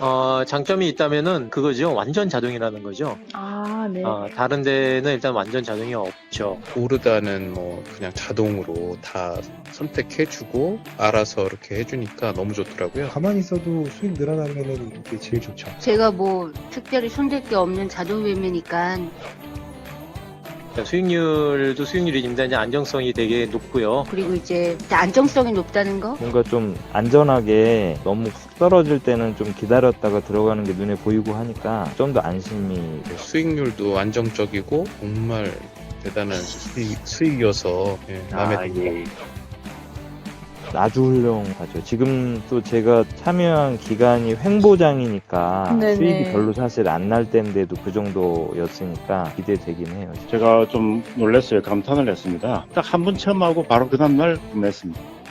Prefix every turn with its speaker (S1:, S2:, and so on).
S1: 장점이 있다면은 그거죠. 완전 자동이라는 거죠.
S2: 아, 네.
S1: 다른 데는 일단 완전 자동이 없죠.
S3: 오르다는 뭐 그냥 자동으로 다 선택해주고 알아서 이렇게 해주니까 너무 좋더라고요.
S4: 가만히 있어도 수익 늘어나면은 이게 제일 좋죠.
S5: 제가 뭐 특별히 손댈 게 없는 자동 매매니까
S1: 수익률도 수익률입니다. 이제 안정성이 되게 높고요.
S5: 그리고 이제 안정성이 높다는 거
S6: 뭔가 좀 안전하게 너무 훅 떨어질 때는 좀 기다렸다가 들어가는 게 눈에 보이고 하니까 좀 더 안심이 돼요.
S3: 수익률도 안정적이고 정말 대단한 수익이어서 마음에 듭니다.
S6: 아주 훌륭하죠. 지금 또 제가 참여한 기간이 횡보장이니까
S2: 네네.
S6: 수익이 별로 사실 안 날 때인데도 그 정도였으니까 기대되긴 해요.
S7: 제가 좀 놀랐어요. 감탄을 했습니다. 딱 한 번 체험하고 바로 그 다음날 구매했습니다.